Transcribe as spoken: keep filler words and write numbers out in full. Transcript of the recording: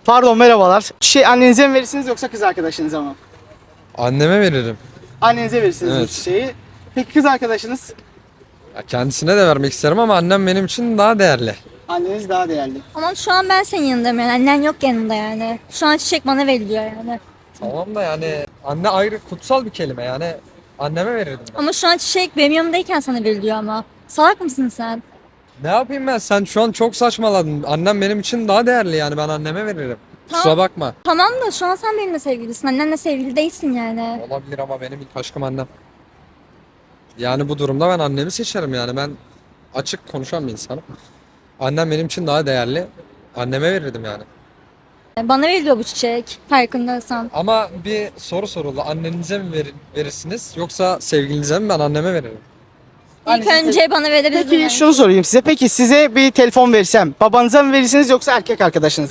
Pardon, merhabalar. Şey, annenize mi verirsiniz yoksa kız arkadaşınıza mı? Anneme veririm. Annenize verirsiniz bu Evet. çiçeği. Peki kız arkadaşınız? Ya kendisine de vermek isterim ama annem benim için daha değerli. Anneniz daha değerli. Ama şu an ben senin yanındayım yani. Annen yok yanında yani. Şu an çiçek bana veriliyor yani. Tamam da yani anne ayrı kutsal bir kelime yani anneme verirdim ben. Ama şu an çiçek benim yanımdayken sana veriliyor ama. Salak mısın sen? Ne yapayım ben? Sen şu an çok saçmaladın. Annem benim için daha değerli yani ben anneme veririm. Tamam. Kusura bakma. Tamam da şu an sen benimle sevgilisin. Annenle sevgili değilsin yani. Olabilir ama benim ilk aşkım annem. Yani bu durumda ben annemi seçerim yani ben açık konuşan bir insanım. Annem benim için daha değerli. Anneme verirdim yani. Bana veriliyor bu çiçek. Farkındaysan. Ama bir soru soruldu. Annenize mi verir, verirsiniz yoksa sevgilinize mi? Ben anneme veririm. İlk Annesi- önce bana verebilirdin. Peki yani. şunu sorayım size. Peki size bir telefon versem babanıza mı verirsiniz yoksa erkek arkadaşınıza mı?